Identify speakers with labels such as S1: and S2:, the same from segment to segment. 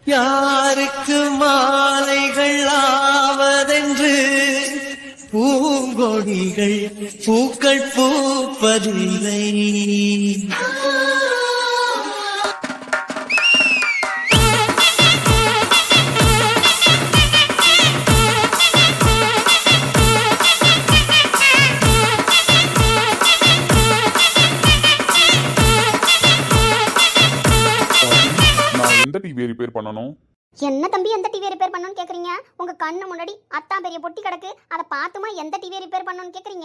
S1: யாருக்கு மாலைகள் ஆவதென்று பூங்கொடிகள் பூக்கள் பூப்பதில்லை.
S2: எந்த டிவி ரிப்பேர் பண்ணணும்?
S3: என்ன தம்பி எந்த டிவி ரிப்பேர் பண்ணணும்னு கேக்குறீங்க? உங்க கண்ணு முன்னாடி அத்தான் பெரிய பொட்டி கிடக்கு, அதை பார்த்துமா எந்த டிவி ரிப்பேர் பண்ணணும்னு கேக்குறீங்க?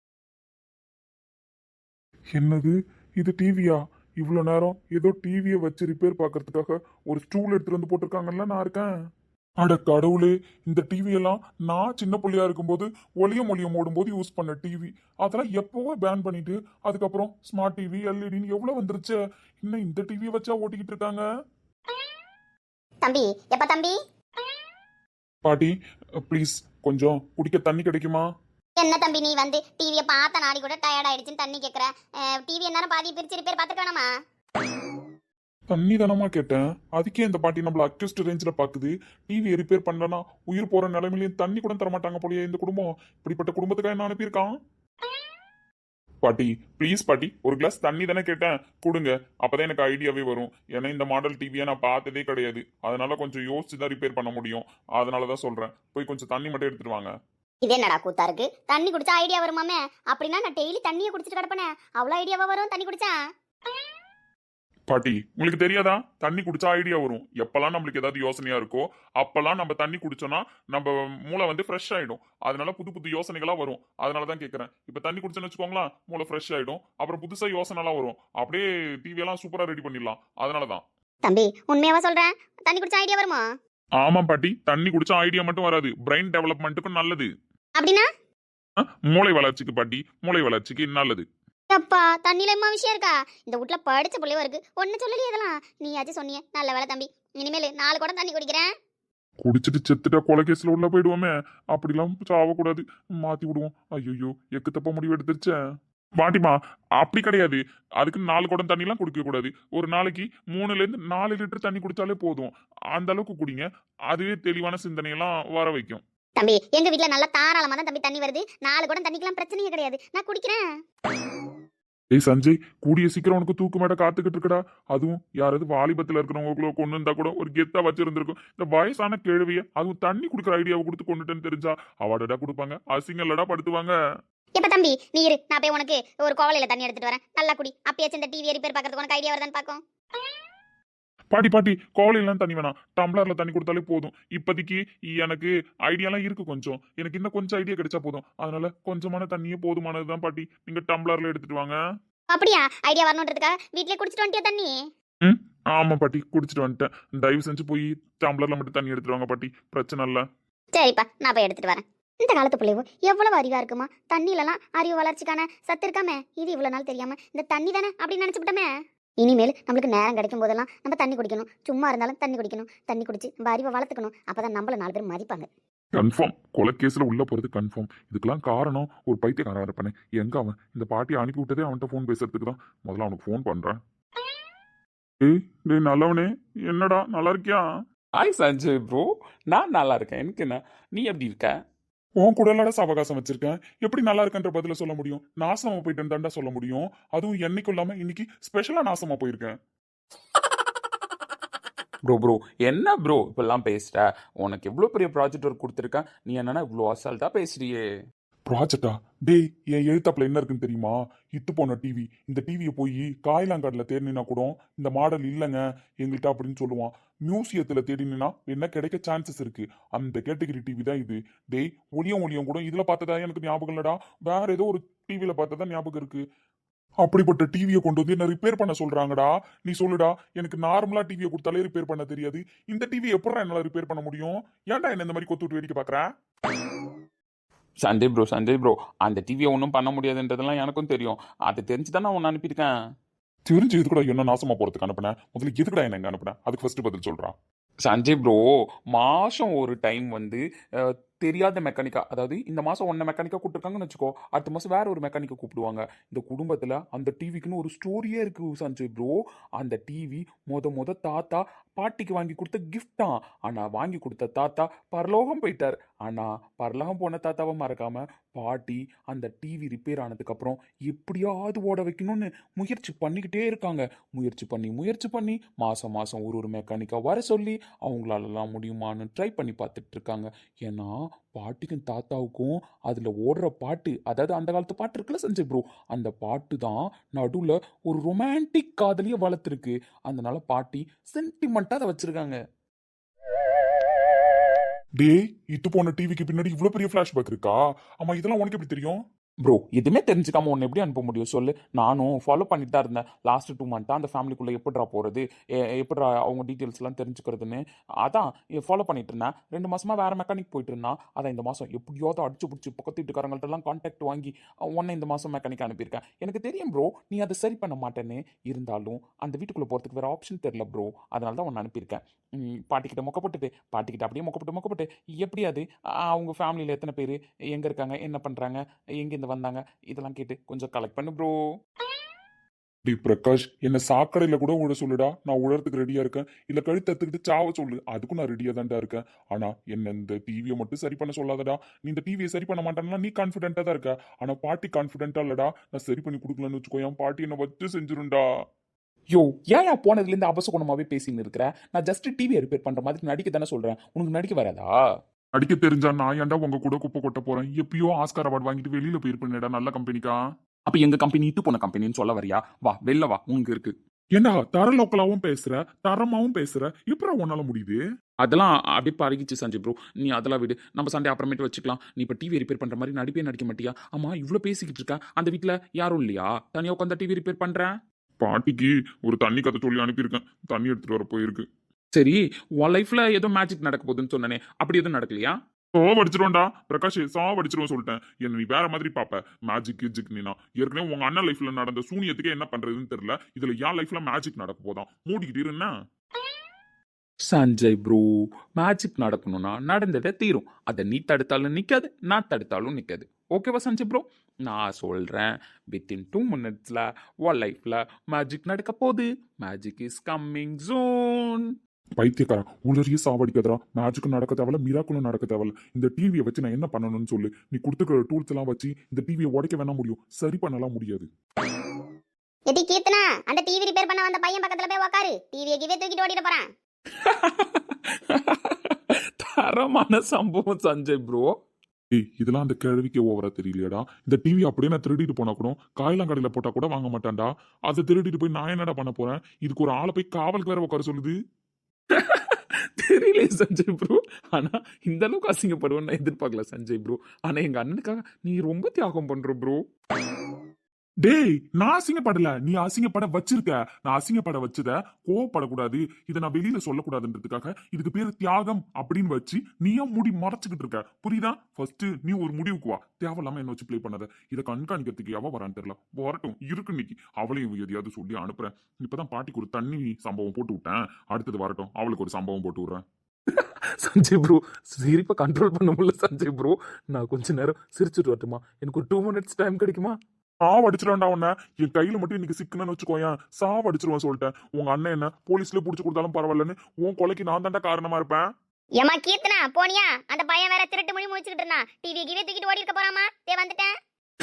S2: என்னது இது டிவியா? இவ்வளோ நேரம் ஏதோ டிவியை வச்சு ரிப்பேர் பார்க்கறதுக்காக ஒரு ஸ்டூல் எடுத்துட்டு வந்து போட்டிருக்காங்கல்ல, நான் இருக்கேன். அட கடவுளே, இந்த டிவி எல்லாம் நான் சின்ன பிள்ளையா இருக்கும்போது ஒளியம் ஓடும்போது யூஸ் பண்ண டிவி. அதெல்லாம் எப்பவோ பேன் பண்ணிட்டு அதுக்கப்புறம் ஸ்மார்ட் டிவி எல்இடின்னு எவ்வளோ வந்துருச்சு. இன்னும் இந்த டிவியை வச்சா ஓட்டிக்கிட்டு இருக்காங்க.
S3: தம்பி எப்ப தம்பி?
S2: பாட்டி ப்ளீஸ் கொஞ்சம் குடிக்க தண்ணி கிடைக்குமா?
S3: என்ன தம்பி நீ வந்து டிவியை பார்த்த நாடி கூட டயர்ட் ஆயிடுச்சுன்னு தண்ணி கேட்குற? டிவி என்ன பாதி பிரிச்சு ரிப்பேர் பார்த்துக்கணுமா?
S2: தண்ணி தானமா கேட்டேன். அதுக்கே இந்த பாட்டி நம்மள அக்யூஸ்ட் ரேஞ்சில் பாக்குது. டிவி ரிப்பேர் பண்ணலன்னா உயிர் போற நிலைமையிலையும் தண்ணி கூட தரமாட்டாங்க போலயே இந்த குடும்பம். இப்படிப்பட்ட குடும்பத்துக்காக என்ன அனுப்பியிருக்கான்? பாட்டி ப்ளீஸ் பாட்டி, ஒரு கிளாஸ் தண்ணி தானே கேட்டேன், கொடுங்க. அப்பதான் எனக்கு ஐடியாவே வரும். ஏன்னா இந்த மாடல் டிவியை நான் பார்த்ததே கிடையாது. அதனால கொஞ்சம் யோசிச்சு தான் ரிப்பேர் பண்ண முடியும். அதனாலதான் சொல்றேன், போய் கொஞ்சம் தண்ணி மட்டும் எடுத்துட்டு வாங்க.
S3: இதே என்னடா கூத்தா இருக்கு? தண்ணி குடிச்சா ஐடியா வருமாமே? அப்படின்னா நான் டெய்லி தண்ணியை குடிச்சிட்டு கிடப்பேனே, அவ்வளோ ஐடியாவா வரும் தண்ணி குடிச்சா?
S2: பாட்டி உங்களுக்கு தெரியாதா, தண்ணி குடிச்சா ஐடியா வரும். எப்பெல்லாம் நம்மளுக்கு ஏதாவது யோசனையா இருக்கோ அப்பெல்லாம் நம்ம தண்ணி குடிச்சோம்னா நம்ம மூளை வந்து ஃப்ரெஷ் ஆயிடும். அதனால புது புது யோசனைகளா வரும். அதனாலதான் கேட்கறேன். இப்ப தண்ணி குடிச்சோன்னு வச்சுக்கோங்களேன், மூளை ஃப்ரெஷ் ஆயிடும். அப்புறம் புதுசா யோசனை எல்லாம் வரும். அப்படியே டிவி எல்லாம் சூப்பரா ரெடி பண்ணிடலாம். அதனாலதான்.
S3: தம்பி உண்மையாவா சொல்றேன்? தண்ணி குடிச்சா ஐடியா வருமா?
S2: ஆமா பாட்டி, தண்ணி குடிச்சா ஐடியா மட்டும் வராது, பிரெயின் டெவலப்மெண்ட்டுக்கும் நல்லது.
S3: அப்படின்னா
S2: மூளை வளர்ச்சிக்கு பாட்டி, மூளை வளர்ச்சிக்கு நல்லது.
S3: அப்பா தண்ணியில எம்மா விஷயம் இருக்கா? இந்த வீட்ல படிச்ச பிள்ளையோ இருக்கு, ஒன்னு சொல்லலையே இதெல்லாம். நீயாச்சும் சொன்னியே, நல்ல வேலை தம்பி. இனிமேல் 4 குடம் தண்ணி குடிக்கிறேன்.
S2: குடிச்சிட்டு செத்துட்டா கொலைகேஸ்ல உள்ள போயிடுவோமே, அப்படிலாம் சாவக்கூடாது, மாத்தி விடுவோம். ஐயோ எக்கு தப்ப முடிவு எடுத்துருச்சேன். பாட்டிமா அப்படி கிடையாது, அதுக்கு 4 குடம் தண்ணி எல்லாம் குடிக்க கூடாது. ஒரு நாளைக்கு 3ல இருந்து 4 லிட்டர் தண்ணி குடிச்சாலே போதும். அந்த அளவுக்கு குடிங்க, அதுவே தெளிவான சிந்தனையெல்லாம் வர வைக்கும்.
S3: தம்பி எங்க வீட்ல நல்லா தாராளமா தான் தம்பி தண்ணி வருது. 4 குடம் தண்ணிக்கெல்லாம் பிரச்சனையே கிடையாது, நான் குடிக்கிறேன்.
S2: ஏய் சஞ்சய், கூடிய சீக்கிரம் உனக்கு தூக்கு மேட காத்துக்கிட்டு இருக்கடா. அதுவும் யாராவது வாலிபத்துல இருக்கிறவங்களுக்குள்ள கொண்டு இருந்தா கூட ஒரு கெத்தா வச்சிருந்திருக்கும். இந்த வயசான கேள்விய அதுவும் தண்ணி குடுக்கற ஐடியாவை கொடுத்து கொண்டுட்டேன்னு தெரிஞ்சா அவார்டா கொடுப்பாங்க, அசிங்கல்லடா படுத்துவாங்க.
S3: எப்ப தம்பி நீ இரு, நான் போய் உனக்கு ஒரு கோவலையில தண்ணி எடுத்துட்டு வரேன். நல்லா குடி. அப்பயாச்சும் இந்த டிவி ரிப்பேர் பார்க்கறதுக்கு உனக்கு ஐடியா வருதான்னு பாக்கும்.
S2: பாட்டி பாட்டி, கோவலையெல்லாம் தண்ணி வேணாம், டம்ளர்ல தண்ணி கொடுத்தாலே போதும். இப்போதைக்கு எனக்கு ஐடியாலாம் இருக்கு கொஞ்சம். எனக்கு இன்னும் கொஞ்சம் ஐடியா கிடைச்சா போதும். அதனால கொஞ்சமான தண்ணியே போதுமானதுதான் பாட்டி. நீங்க டம்ளர்ல எடுத்துட்டு வாங்க.
S3: அப்படியா? ஐடியா வரணுன்றதுக்காக வீட்லயே குடிச்சிட்டு வந்துட்டியா தண்ணி?
S2: ஆமா பாட்டி, குடிச்சிட்டு வந்துட்டேன். தயவு செஞ்சு போய் டம்ளர்ல மட்டும் தண்ணி எடுத்துட்டு வாங்க பாட்டி, பிரச்சனை இல்ல.
S3: சரிப்பா, நான் போய் எடுத்துட்டு வரேன். இந்த காலத்து பிள்ளைவோ எவ்வளவு அறிவா இருக்குமா? தண்ணிலலாம் அறிவு வளர்ச்சிக்கான சத்து இருக்காமே, இது இவ்வளவு நாள் தெரியாம இந்த தண்ணி தானே அப்படின்னு நினைச்சுட்டோமே. இனிமேல் நம்மளுக்கு நேரம் கிடைக்கும் போதெல்லாம் நம்ம தண்ணி குடிக்கணும். சும்மா இருந்தாலும் தண்ணி குடிக்கணும். தண்ணி குடிச்சு நம்ம அறிவை வளர்த்துக்கணும். அப்பதான் நம்மள 4 பேர் மதிப்பாங்க.
S2: கன்ஃபார்ம் கொலைகேஸ்ல உள்ள போறது கன்ஃபார்ம். இதுக்கெல்லாம் காரணம் ஒரு பைத்தியக்காரன் இருப்பானே, எங்க அவன்? இந்த பாட்டி அனுப்பி விட்டதே அவன்கிட்ட ஃபோன் பேசுறதுக்கு தான். முதல்ல அவனுக்கு ஃபோன் பண்றேன். ஏய் டேய் நல்லவனே, என்னடா நல்லா இருக்கியா?
S4: ஹாய் சஞ்சய் ப்ரோ, நான் நல்லா இருக்கேன். எனக்கு என்ன, நீ எப்படி இருக்க?
S2: உன் கூட இல்லடா அவகாசம் வச்சிருக்கேன். எப்படி நல்லா இருக்கன்ற பதில சொல்ல முடியும்? நாசமா போயிட்டேன்னு தாண்டா சொல்ல முடியும். அதுவும் என்னைக்கும் இல்லாம இன்னைக்கு ஸ்பெஷலா நாசமா போயிருக்கேன்.
S4: ப்ரோ ப்ரோ என்ன ப்ரோ இப்பெல்லாம் பேசுற? உனக்கு எவ்வளோ பெரிய ப்ராஜெக்ட் ஒர்க் கொடுத்துருக்கேன், நீ என்னன்னா இவ்வளோ அசால்ட்டா பேசுறியே?
S2: ப்ராஜெக்டா? டேய் என் எழுத்தாப்புல என்ன இருக்குன்னு தெரியுமா? இத்து போன டிவி. இந்த டிவியை போய் காயிலாங்காடுல தேடினா கூட இந்த மாடல் இல்லைங்க எங்கள்கிட்ட அப்படின்னு சொல்லுவான். மியூசியத்துல தேடினா என்ன கிடைக்க சான்சஸ் இருக்கு. அந்த கேட்டகரி டிவி தான் இது. டேய் ஒளியம் கூட இதுல பார்த்ததா எனக்கு ஞாபகம் இல்லடா, வேற ஏதோ ஒரு டிவியில பார்த்ததா ஞாபகம் இருக்கு. அப்படிப்பட்ட டிவியை கொண்டு வந்து என்ன ரிப்பேர் பண்ண சொல்றாங்கடா. நீ சொல்லுடா, எனக்கு நார்மலா டிவியை கொடுத்தாலே ரிப்பேர் பண்ண தெரியாது. இந்த டிவி எப்படா என்னால ரிப்பேர் பண்ண முடியும்? ஏன்டா என்ன இந்த மாதிரி கொத்து விட்டு வேடிக்கை பாக்குற?
S4: சஞ்சய் ப்ரோ அந்த டிவியை ஒன்றும் பண்ண முடியாதுன்றதெல்லாம் எனக்கும் தெரியும். அது தெரிஞ்சு தான் நான் உன்னை அனுப்பியிருக்கேன்.
S2: தெரிஞ்சு எதுக்கூட என்ன நாசமா போறதுக்கு அனுப்புனேன்? முதல்ல எதுக்குடா என்ன அனுப்புனேன்? அதுக்கு ஃபர்ஸ்ட் பதில் சொல்றான்.
S4: சஞ்சய் ப்ரோ, மாதம் ஒரு டைம் வந்து தெரியாத மெக்கானிக்கா, அதாவது இந்த மாசம் ஒன்ன மெக்கானிக்கா கூப்பிட்டுருக்காங்கன்னு வச்சுக்கோ, அடுத்த மாசம் வேற ஒரு மெக்கானிக்கை கூப்பிடுவாங்க. இந்த குடும்பத்துல அந்த டிவிக்குன்னு ஒரு ஸ்டோரியே இருக்கு சஞ்சய் ப்ரோ. அந்த டிவி மொத தாத்தா பாட்டிக்கு வாங்கி கொடுத்த கிஃப்ட் தான். ஆனா வாங்கி கொடுத்த தாத்தா பரலோகம் போயிட்டார். ஆனா பரலோகம் போன தாத்தாவை மறக்காம பாட்டி அந்த டிவி ரிப்பேர் ஆனதுக்கு அப்புறம் எப்படியாவது ஓட வைக்கணும்னு முயற்சி பண்ணிக்கிட்டே இருக்காங்க. முயற்சி பண்ணி மாசம் மாசம் ஒரு மெக்கானிக்கா வர சொல்லி அவங்களாலலாம் முடியுமான்னு ட்ரை பண்ணி பார்த்துட்டு இருக்காங்க. ஏன்னா பாட்டிக்கும் தாத்தாவுக்கும் அதுல ஓடுற பாட்டு, அதாவது அந்த காலத்து பாட்டு இருக்குல்ல சஞ்சய் ப்ரோ, அந்த பாட்டு தான் நடுவுல ஒரு ரொமான்டிக் காதலிய வளர்த்துருக்கு. அதனால பாட்டி சென்டிமெண்டா அதை வச்சிருக்காங்க.
S2: டேய், இத்து போன டிவிக்கு பின்னாடி இவ்வளவு பெரிய ஃபிளாஷ்பேக் இருக்கா? ஆமா, இதெல்லாம் உனக்கு எப்படி தெரியும்?
S4: ப்ரோ எதுவுமே தெரிஞ்சுக்காம ஒன்று எப்படி அனுப்ப முடியும் சொல்லு? நானும் ஃபாலோ பண்ணிட்டு தான் இருந்தேன். லாஸ்ட் 2 மந்த்தாக அந்த ஃபேமிலிக்குள்ளே எப்படிடா போகிறது, எப்படிடா அவங்க டீட்டெயில்ஸ்லாம் தெரிஞ்சுக்கிறதுன்னு அதான் ஃபாலோ பண்ணிட்டு இருந்தேன். 2 மாசமா வேற மெக்கானிக் போயிட்டு இருந்தான். அதான் இந்த மாதம் எப்படியாவது அடிச்சு பிடிச்சி பக்கத்து வீட்டுக்காரங்கள்ட்டலாம் கான்டாக்ட் வாங்கி உன்னை இந்த மாதம் மெக்கானிக் அனுப்பியிருக்கேன். எனக்கு தெரியும் ப்ரோ நீ அதை சரி பண்ண மாட்டேன்னு. இருந்தாலும் அந்த வீட்டுக்குள்ளே போகிறதுக்கு வேறு ஆப்ஷன் தெரில ப்ரோ. அதனால தான் உன்னை அனுப்பியிருக்கேன். பாட்டிக்கிட்ட மொக்கப்பட்டுட்டு பாட்டிக்கிட்ட அப்படியே மொக்கப்பட்டு எப்படி அது அவங்க ஃபேமிலியில் எத்தனை பேர், எங்கே இருக்காங்க, என்ன பண்ணுறாங்க, எங்கேருந்து வந்தாங்க, இதெல்லாம் கேட்டு கொஞ்சம் கலெக்ட் பண்ணு ப்ரோ.
S2: டேய் பிரகாஷ், என்ன சாக்கடையில கூட உழ சொல்லுடா, நான் உழறதுக்கு ரெடியா இருக்கேன். இல்ல கழுத்து எடுத்துக்கிட்டு சாவ சொல்லு, அதுக்கும் நான் ரெடியா தான்டா இருக்கேன். ஆனா என்ன இந்த டிவியை மட்டும் சரி பண்ண சொல்லாதடா. நீ இந்த டிவியை சரி பண்ண மாட்டேன்னா நீ கான்ஃபிடென்ட்டா தான் இருக்க. ஆனா பாட்டி கான்ஃபிடென்ட்டா இல்லடா. நான் சரி பண்ணி கொடுக்கலன்னு வச்சுக்கோ, என் பாட்டி என்ன வச்சு செஞ்சிருண்டா.
S4: யோ ஏன் போனதுலேருந்து அபசகுணமாவே பேசின்னு இருக்கிறேன்? நான் ஜஸ்ட் டிவியை ரிப்பேர் பண்ணுற மாதிரி நடிக்க தானே சொல்கிறேன். உனக்கு நடிக்க வராதா?
S2: அடிக்க தெரிஞ்சா நான் ஏன்டா உங்க கூட குப்பை கொட்ட போறேன்? எப்பயோ ஆஸ்கார் அவார்டு வாங்கிட்டு வெளியில போயிருப்பேன்டா நல்ல கம்பெனிக்கா.
S4: அப்போ எங்கள் கம்பெனி இட்டு போன கம்பெனின்னு சொல்ல வரியா? வா வெளில வா, உனக்கு இருக்கு.
S2: ஏண்டா தர லோக்கலாவும் பேசுற, தரமாவும் பேசுற, எப்படா உன்னால முடியுது?
S4: அதெல்லாம் அப்படியே பழகிச்சு சஞ்சய் ப்ரோ. நீ அதெல்லாம் விடு, நம்ம சண்டே அப்புறமேட்டு வச்சுக்கலாம். நீ இப்போ டிவி ரிப்பேர் பண்ணுற மாதிரி நடிப்பே நடிக்க மாட்டியா? ஆமாம் இவ்வளோ பேசிக்கிட்டு இருக்க, அந்த வீட்டில் யாரும் இல்லையா? தனியாக உட்காந்து டிவி ரிப்பேர் பண்ணுறேன்.
S2: பாட்டிக்கு ஒரு தண்ணி கதை சொல்லி அனுப்பியிருக்கேன், தண்ணி எடுத்துட்டு வர போயிருக்கு.
S4: சரி, உன் லைஃப்ல ஏதோ மேஜிக் நடக்க போகுதுன்னு சொன்னனே, அப்படி எதுவும் நடக்கலையா?
S2: சாவடிச்சிருவோம்டா பிரகாஷ், சாவடிச்சிருவோம் சொல்லிட்டேன். என்ன நீ வேற மாதிரி பாப்ப மேஜிக் கிஜிக். நீனா ஏற்கனவே உங்க அண்ணன் லைஃப்ல நடந்த சூனியத்துக்கு என்ன பண்றதுன்னு தெரியல, இதுல என் லைஃப்ல மேஜிக் நடக்க போதான். மூடிக்கிட்டு இருன்னா
S4: சஞ்சய் ப்ரோ, மேஜிக் நடக்கணும்னா நடந்ததே தீரும். அதை நீ தடுத்தாலும் நிற்காது, நான் தடுத்தாலும் நிற்காது. ஓகேவா சஞ்சய் ப்ரோ? நான் சொல்கிறேன், வித்தின் 2 மினிட்ஸில் உன் லைஃப்பில் மேஜிக் நடக்க போகுது. Magic is coming soon.
S2: பைத்தியக்காரன், உளறிய சாவடிக்கதரா. மேஜிக்கும் நடக்க தேவையில்ல, மிராக்களும் நடக்க தேவையில்ல. இந்த டிவியை வச்சு நான் என்ன பண்ணணும்னு சொல்லு. நீ கொடுத்துக்கிற டூல்ஸ் எல்லாம் வச்சு இந்த டிவியை உடைக்க வேணா முடியும், சரி பண்ணலாம் முடியாது.
S3: எடி கீர்த்தனா, அந்த டிவி ரிப்பேர் பண்ண வந்த பையன் பக்கத்துல போய் உட்காரு. டிவியை கிவே தூக்கிட்டு ஓடிட போறான்.
S4: தரமான சம்பவம் சஞ்சய் ப்ரோ.
S2: ஏய், இதெல்லாம் அந்த கேள்விக்கு ஓவரா தெரியலையாடா? இந்த டிவி அப்படியே நான் திருடிட்டு போனா கூட காயலாங்கடையில போட்டா கூட வாங்க மாட்டான்டா. அதை திருடிட்டு போய் நான் என்னடா பண்ண போறேன்? இதுக்கு ஒரு ஆளை போய் காவலுக்கு வேற உட்கார சொல்லுது.
S4: தெரியல சஞ்சய் ப்ரோ, ஆனா இந்த அளவுக்கு அசிங்கப்படுவேன்னு நான் எதிர்பார்க்கல சஞ்சய் ப்ரோ. ஆனா எங்க அண்ணனுக்காக நீ ரொம்ப தியாகம் பண்ற ப்ரோ.
S2: டேய், நான் அசிங்கப்படல, நீ அசிங்கப்பட வச்சிருக்க. நான் அசிங்கப்பட வச்சத கோவப்படக்கூடாது, இதை நான் வெளியில சொல்லக்கூடாதுன்றதுக்காக இதுக்கு பேரு தியாகம் அப்படின்னு வச்சு நீயா முடி மறைச்சுக்கிட்டு இருக்க. புரியுதா? ஃபர்ஸ்ட் நீ ஒரு முடிவுக்கு வா. தேவையில்லாம என்ன வச்சு பிளே பண்ணாத. இதை கண்காணிக்கிறதுக்கு எவ வரான்னு தெரியல. வரட்டும், இருக்கு இன்னைக்கு அவளையும் எதையாவது சொல்லி அனுப்புறேன். இப்பதான் பாட்டிக்கு ஒரு தண்ணி சம்பவம் போட்டு விட்டேன், அடுத்தது வரட்டும் அவளுக்கு ஒரு சம்பவம் போட்டு விடுறேன்.
S4: சஞ்சய் ப்ரோ, சிரிப்பை கண்ட்ரோல் பண்ண முடியல சஞ்சய் ப்ரோ. நான் கொஞ்ச நேரம் சிரிச்சுட்டு வரட்டுமா? எனக்கு ஒரு 2 மினிட்ஸ் டைம் கிடைக்குமா?
S2: சாவடிச்சிருவேன்டா உன்ன. என் கையில மட்டும் இன்னைக்கு சிக்கணும்னு வச்சுக்கோயேன், சாவடிச்சிருவேன் சொல்லிட்டேன். உங்க அண்ணன் என்ன போலீஸ்ல புடிச்சு கொடுத்தாலும் பரவாயில்லன்னு உன் கொலைக்கு நான் தாண்டா காரணமா இருப்பேன்.
S3: ஏமா கீர்த்தனா போனியா? அந்த பையன் வேற திருட்டு மொழி முடிச்சுக்கிட்டு இருந்தான். டிவியை கிவே தூக்கிட்டு ஓடி இருக்க போறாமா? வந்துட்டேன்.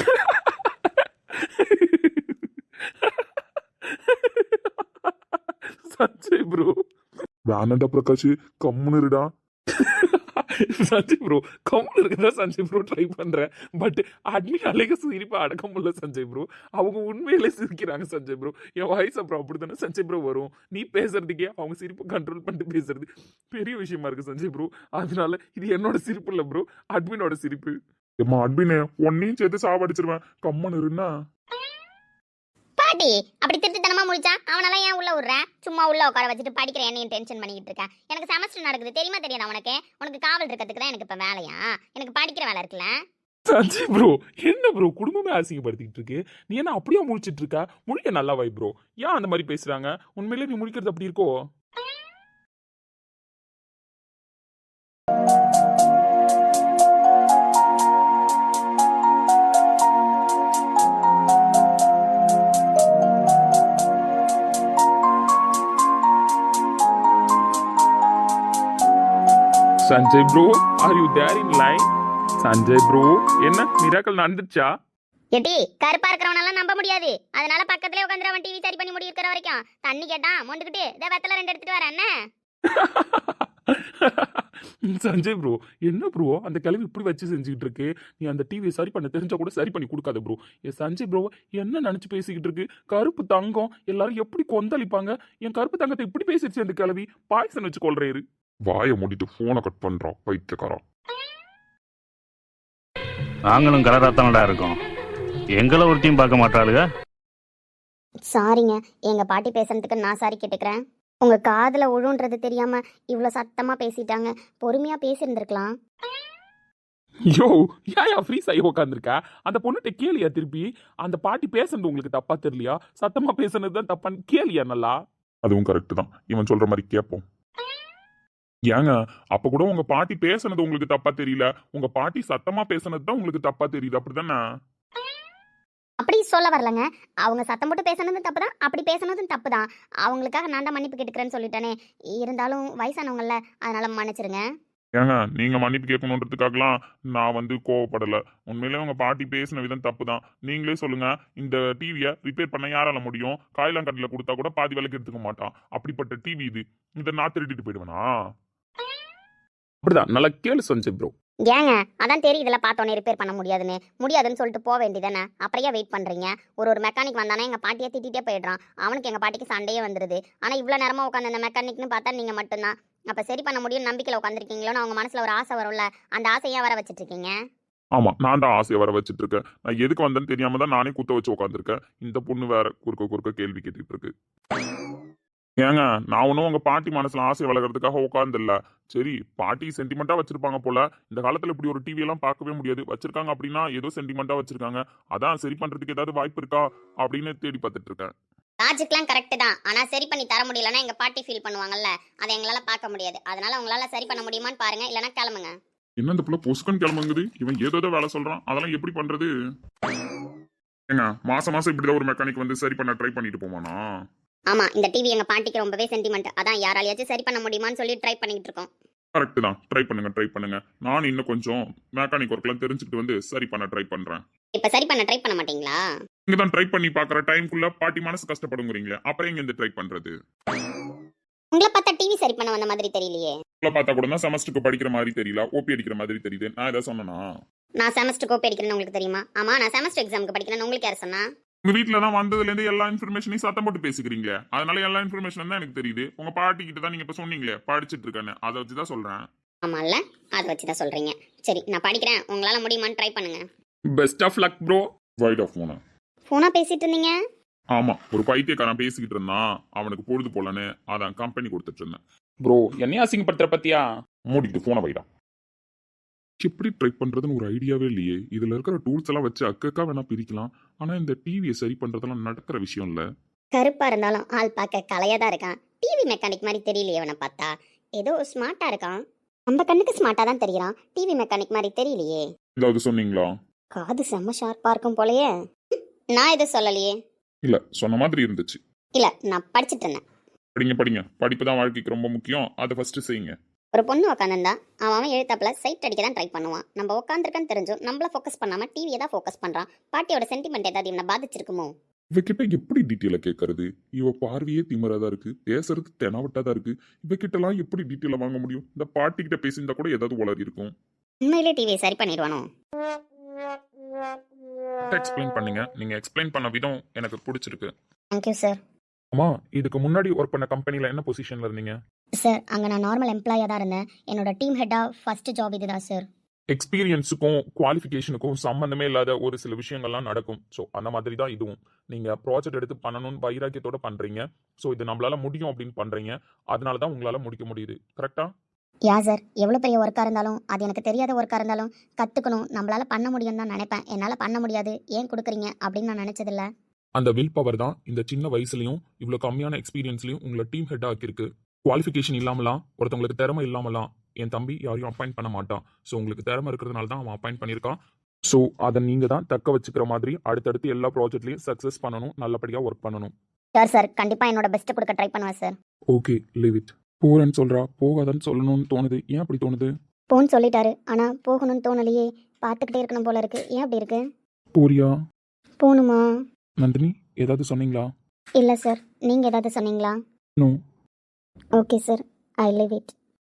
S4: சஞ்சய் ப்ரோ,
S2: வேணாண்டா பிரகாஷ், கம்முன்னு இருடா.
S4: சஞ்சய் ப்ரோ கம்முன்னு இருக்குதா சஞ்சய் ப்ரோ ட்ரை பண்றேன். பட் அட்மின் அழக சிரிப்பா அடக்க முடியல சஞ்சய் ப்ரோ. அவங்க உண்மையிலே சிரிக்கிறாங்க சஞ்சய் ப்ரோ. என் வாய்ஸ் அப்புறம் அப்படித்தானே சஞ்சய் ப்ரோ வரும். நீ பேசுறதுக்கே அவங்க சிரிப்பை கண்ட்ரோல் பண்ணிட்டு பேசுறது பெரிய விஷயமா இருக்கு சஞ்சய் ப்ரோ. அதனால இது என்னோட சிரிப்பு இல்லை ப்ரோ, அட்மினோட சிரிப்பு.
S2: ஏமா அட்மினே, உன்னையும் சேர்த்து சாவடிச்சிருவேன், கம்முன்னு இருன்னா.
S3: பாட்டி அப்படி திருட்டுத்தனமா முடிச்சா அவனெல்லாம் ஏன் உள்ள விடுற? சும்மா உள்ள உட்கார வச்சுட்டு படிக்கிற என்னையும் டென்ஷன் பண்ணிக்கிட்டு இருக்கேன். எனக்கு செமஸ்டர் நடக்குது தெரியுமா தெரியாதா உனக்கு? உனக்கு காவல் இருக்கிறதுக்கு தான் எனக்கு இப்ப வேலையா? எனக்கு படிக்கிற வேலை இருக்குல்ல.
S4: சஞ்சய் ப்ரோ என்ன ப்ரோ குடும்பமே அசிங்கப்படுத்திக்கிட்டு இருக்கு? நீ என்ன அப்படியே முழிச்சிட்டு இருக்க? முழிக்க நல்லா வை ப்ரோ. ஏன் அந்த மாதிரி பேசுறாங்க? உண்மையிலே நீ முழிக்கிறது அப்படி இருக்கோ? Sanjay bro, are you there in line? Sanjay bro, என்ன மிராக்கல் நடந்துச்சா?
S3: எட்டி கருப்பா இருக்கிறவனெல்லாம் நம்ப முடியாது. அதனால பக்கத்துலயே உட்காந்து அவன் டிவி சரி பண்ணி முடி இருக்கிற வரைக்கும் தண்ணி கேட்டான் மொண்டுக்கிட்டு இதை வெத்தலை 2 எடுத்துட்டு வரேன் என்ன.
S4: சஞ்சய் ப்ரோ, என்ன ப்ரோ அந்த கிளவி இப்படி வச்சு செஞ்சுக்கிட்டு இருக்கு? நீ அந்த டிவியை சரி பண்ண தெரிஞ்சா கூட சரி பண்ணி கொடுக்காத ப்ரோ. என் சஞ்சய் ப்ரோ என்ன நினைச்சு பேசிக்கிட்டு இருக்கு? கருப்பு தங்கம் எல்லாரும் எப்படி கொந்தளிப்பாங்க? என் கருப்பு தங்கத்தை இப்படி பேசிடுச்சு அந்த கிளவி. பாய்சன் வச்சு கொள்றாரு.
S2: வாயை மூடிட்டு போனை கட் பண்றான் பைத்தியக்காரன்.
S5: நாங்களும் கலராத்தானடா இருக்கோம். எங்களை ஒருத்தையும் பார்க்க மாட்டாளுங்க.
S3: சாரிங்க, எங்க பாட்டி பேசுறதுக்கு நான் சாரி கேட்டுக்கிறேன். உங்க காதுல உழுன்றது தெரியாம இவ்வளவு சத்தமா பேசிட்டாங்க. பொறுமையா பேசியிருந்திருக்கலாம்.
S4: யோ, ஏன் ஃப்ரீஸ் ஆகி உட்காந்துருக்கா? அந்த பொண்ணுகிட்ட கேளியா திருப்பி? அந்த பாட்டி பேசுனது உங்களுக்கு தப்பா தெரியலையா? சத்தமா பேசுனது தான் தப்பான்னு கேளியா நல்லா?
S2: அதுவும் கரெக்ட் தான், இவன் சொல்ற மாதிரி கேட்போம். ஏங்க, அப்ப கூட உங்க பாட்டி பேசுனது உங்களுக்கு தப்பா தெரியல, உங்க பாட்டி சத்தமா பேசுனது தான் உங்களுக்கு தப்பா தெரியுது, அப்படிதானே?
S3: அப்படி சொல்ல வரலங்க. அவங்க சத்தம் போட்டு பேசுனதும் தப்பு தான், அப்படி பேசுனதும் தப்பு தான். அவங்களுக்காக நான் தான் மன்னிப்பு கேட்டுக்கிறேன்னு சொல்லிட்டேனே. இருந்தாலும் வயசானவங்கல்ல, அதனால மன்னிச்சிருங்க.
S2: ஏங்க, நீங்க மன்னிப்பு கேட்கணுன்றதுக்காகலாம் நான் கோவப்படல. உண்மையிலே உங்க பாட்டி பேசின விதம் தப்பு தான். நீங்களே சொல்லுங்க, இந்த டிவியை ரிப்பேர் பண்ண யாரால முடியும்? காயிலாங்கட்டில கொடுத்தா கூட பாதி விலைக்கு எடுத்துக்க மாட்டான். அப்படிப்பட்ட டிவி இது. இதை நான் திருடிட்டு போயிடுவேனா?
S4: அப்படிதான் நல்லா கேளு சஞ்சய் ப்ரோ.
S3: ஏங்க, அதான் தெரியுதுல பார்த்தோன்னே ரிப்பேர் பண்ண முடியாதுன்னு சொல்லிட்டு போக வேண்டியதானே. அப்புறையா வெயிட் பண்றீங்க? ஒரு மெக்கானிக் வந்தானே எங்க பாட்டியை திட்டிகிட்டே போயிடுறான். அவனுக்கு எங்க பாட்டிக்கு சண்டையே வந்துருது. ஆனா இவ்வளவு நேரமா உட்காந்து அந்த மெக்கானிக்னு பார்த்தா நீங்க மட்டும்தான். அப்ப சரி பண்ண முடியும் நம்பிக்கையில உட்காந்துருக்கீங்களோன்னு அவங்க மனசுல ஒரு ஆசை வரும்ல, அந்த ஆசையா வர வச்சிட்டு இருக்கீங்க.
S2: ஆமா, நான் தான் ஆசையை வர வச்சிட்டு இருக்கேன். நான் எதுக்கு வந்தேன்னு தெரியாம தான் நானே குத்த வச்சு உட்காந்துருக்கேன். இந்த பொண்ணு வேற குறுக்க கேள்வி கேட்டுட்டு இருக்கு. ஏங்க, நான் ஒன்றும் உங்க பாட்டி மனசுல ஆசையை வளர்க்கறதுக்காக உட்காந்துல்ல. சரி, பாட்டி சென்டிமெண்டா வச்சிருப்பாங்க போல. இந்த காலத்துல இப்படி ஒரு டிவி எல்லாம் பார்க்கவே முடியாது. வச்சிருக்காங்க அப்படின்னா ஏதோ சென்டிமெண்டா வச்சிருக்காங்க. அதான் சரி பண்றதுக்கு ஏதாவது வாய்ப்பு இருக்கா அப்படின்னு தேடி பார்த்துட்டு இருக்கேன்.
S3: லாஜிக்லாம் கரெக்ட் தான். ஆனா சரி பண்ணி தர முடியலன்னா எங்க பாட்டி ஃபீல் பண்ணுவாங்கல்ல, அதை எங்களால பார்க்க முடியாது. அதனால உங்களால சரி பண்ண முடியுமான்னு பாருங்க, இல்லைன்னா கிளம்புங்க.
S2: என்ன இந்த புள்ள பொசுக்கன் கிளம்புங்குது? இவன் ஏதோ வேலை சொல்றான், அதெல்லாம் எப்படி பண்றது? ஏங்க, மாசம் இப்படிதான் ஒரு மெக்கானிக் வந்து சரி பண்ண ட்ரை பண்ணிட்டு போமானா?
S3: ஆமா, இந்த டிவி எங்க பாட்டிக்கு ரொம்பவே சென்டிமெண்ட். அதான் யாராலையாச்சும் சரி பண்ண முடியுமான்னு சொல்லி ட்ரை பண்ணிட்டு இருக்கோம்.
S2: கரெக்ட் தான், ட்ரை பண்ணுங்க. நான் இன்னும் கொஞ்சம் மெக்கானிக் ஒர்க்லாம் தெரிஞ்சுக்கிட்டு வந்து சரி பண்ண ட்ரை பண்றேன்.
S3: இப்ப சரி பண்ண ட்ரை பண்ண மாட்டீங்களா?
S2: நீங்க தான் ட்ரை பண்ணி பாக்குற டைம்குள்ள பாட்டி மனசு கஷ்டப்படுங்கிறீங்களே, அப்புறம் எங்க இந்த ட்ரை பண்றது?
S3: உங்களை பார்த்தா டிவி சரி பண்ண வந்த மாதிரி தெரியலையே.
S2: உங்களை பார்த்தா கூட தான் செமஸ்டருக்கு படிக்கிற மாதிரி தெரியல, ஓபி அடிக்கிற மாதிரி தெரியுது. நான் ஏதாவது சொன்னனா?
S3: நான் செமஸ்டர் கோப்பி அடிக்கிறேன்னு உங்களுக்கு தெரியுமா? ஆமா, நான் செமஸ்டர் எக்ஸாமுக்கு படிக்கிறேன்னு உங்களுக்கு யார் சொன்னா?
S2: உங்க வீட்டுல தான் வந்ததுல இருந்து எல்லா இன்ஃபர்மேஷனையும் சத்தம் போட்டு பேசிக்கிறீங்களே, அதனால எல்லா இன்ஃபர்மேஷன் தான் எனக்கு தெரியுது. உங்க பாட்டி கிட்ட தான் நீங்க இப்ப சொன்னீங்களே படிச்சிட்டு இருக்கேன்னு, அதை வச்சுதான் சொல்றேன்.
S3: ஆமால்ல, அதை வச்சுதான் சொல்றீங்க. சரி, நான் படிக்கிறேன், உங்களால முடியுமான்னு ட்ரை பண்ணுங்க.
S4: Best of luck bro.
S2: வைட் ஆஃப் போன
S3: போனா பேசிட்டு இருந்தீங்க?
S2: ஆமா, ஒரு பைத்தியக்காரன் பேசிக்கிட்டு இருந்தான், அவனுக்கு பொழுது போலன்னு அதான் கம்பெனி கொடுத்துட்டு இருந்தேன்.
S4: ப்ரோ, என்னையா அசிங்கப்படுத்துற பத்தியா?
S2: மூடிட்டு போன வைடா. எப்படி ட்ரை பண்றதுன்னு ஒரு ஐடியாவே இல்லையே. இதுல இருக்கிற டூல்ஸ் எல்லாம் வச்சு அக்கா வேணா பிரிக்கலாம். ஆனா இந்த டிவியை சரி பண்றதெல்லாம் நடக்கிற விஷயம் இல்ல.
S3: கருப்பா இருந்தாலும் ஆள் பார்க்க கலையா தான் இருக்கான். டிவி மெக்கானிக் மாதிரி தெரியலையே அவனை பார்த்தா. ஏதோ ஸ்மார்ட்டா இருக்கான். நம்ம கண்ணுக்கு ஸ்மார்ட்டா தான் தெரியறான். டிவி மெக்கானிக் மாதிரி தெரியலையே.
S2: ஏதாவது சொன்னீங்களா?
S3: காது செம்ம ஷார்ப்பா இருக்கும் போலயே. நான் எதுவும் சொல்லலையே.
S2: இல்ல, சொன்ன மாதிரி இருந்துச்சு.
S3: இல்ல, நான் படிச்சிட்டு இருந்தேன்.
S2: படிங்க. படிப்பு தான் வாழ்க்கைக்கு ரொம்ப முக்கியம். அதை ஃபர்ஸ்ட் செய்யுங்க.
S3: ஒரு பொண்ணு உட்காந்துருந்தா அவன் எழுத்தாப்புல சைட் அடிக்க தான் ட்ரை பண்ணுவான். நம்ம உட்காந்துருக்கன்னு தெரிஞ்சும் நம்மள ஃபோக்கஸ் பண்ணாம டிவியை தான் ஃபோக்கஸ் பண்றான். பாட்டியோட சென்டிமெண்ட் ஏதாவது இவனை பாதிச்சிருக்குமோ?
S2: இவகிட்ட எப்படி டீட்டெயில கேட்கறது? இவ பார்வையே திமிராதான் இருக்கு, பேசுறது தெனாவட்டாதான் இருக்கு. இவகிட்ட எல்லாம் எப்படி டீட்டெயில வாங்க முடியும்? இந்த பாட்டி கிட்ட பேசியிருந்தா கூட ஏதாவது உளறி இருக்கும்.
S3: உண்மையிலே டிவியை சரி பண்ணிடுவானோ?
S2: எக்ஸ்பிளைன் பண்ணுங்க. நீங்க எக்ஸ்பிளைன் பண்ண விதம் எனக்கு பிடிச்சிருக்கு.
S3: Thank you sir.
S2: அம்மா, இதுக்கு முன்னாடி ஒர்க் பண்ண கம்பெனில என்ன பொசிஷன்ல இருந்தீங்க?
S3: சார், அங்கே நான் நார்மல் எம்ப்ளாயாக தான் இருந்தேன். என்னோட டீம் ஹெட்டாக ஃபர்ஸ்ட் ஜாப் இதுதான் சார்.
S2: எக்ஸ்பீரியன்ஸுக்கும் குவாலிஃபிகேஷனுக்கும் சம்மந்தமே இல்லாத ஒரு சில விஷயங்கள்லாம் நடக்கும். ஸோ அந்த மாதிரி தான் இதுவும். நீங்கள் ப்ராஜெக்ட் எடுத்து பண்ணணும்னு வைராக்கியத்தோட பண்ணுறீங்க. ஸோ இது நம்மளால முடியும் அப்படின்னு பண்ணுறீங்க. அதனால தான் உங்களால் முடிக்க முடியுது. கரெக்டா?
S3: யா சார், எவ்வளோ பெரிய ஒர்க்காக இருந்தாலும் அது எனக்கு தெரியாத ஒர்க்காக இருந்தாலும் கற்றுக்கணும், நம்மளால் பண்ண முடியும்னு தான் நினைப்பேன். என்னால் பண்ண முடியாது, ஏன் கொடுக்குறீங்க அப்படின்னு நான் நினச்சதில்ல.
S2: அந்த வில் பவர் தான் இந்த சின்ன வயசுலையும் இவ்வளோ கம்மியான எக்ஸ்பீரியன்ஸ்லையும் உங்களை டீம் ஹெட் ஆக்கியிருக்கு. குவாலிஃபிகேஷன் இல்லாமலாம், ஒருத்தவங்களுக்கு திறமை இல்லாமலாம் என் தம்பி யாரையும் அப்பாயிண்ட் பண்ண மாட்டான். ஸோ உங்களுக்கு திறமை இருக்கிறதுனால தான் அவன் அப்பாயிண்ட் பண்ணியிருக்கான். ஸோ அதை நீங்கள் தான் தக்க வச்சுக்கிற மாதிரி அடுத்தடுத்து எல்லா ப்ராஜெக்ட்லையும் சக்ஸஸ் பண்ணணும், நல்லபடியாக ஒர்க் பண்ணணும்.
S3: சார் கண்டிப்பாக என்னோட பெஸ்ட்டை கொடுக்க ட்ரை பண்ணுவேன் சார்.
S2: Okay, leave it.
S4: போறேன்னு சொல்றா, போகாதன்னு சொல்லணும்னு தோணுது. ஏன் அப்படி தோணுது?
S3: போன்னு சொல்லிட்டாரு ஆனால் போகணும்னு தோணலையே. பார்த்துக்கிட்டே இருக்கணும் போல இருக்கு. ஏன் அப்படி இருக்கு?
S4: போறியா?
S3: போகணுமா?
S4: நந்தினி, ஏதாவது சொன்னீங்களா?
S3: இல்லை சார், நீங்கள் ஏதாவது சொன்னீங்களா?
S4: No.
S3: Okay sir, I leave it.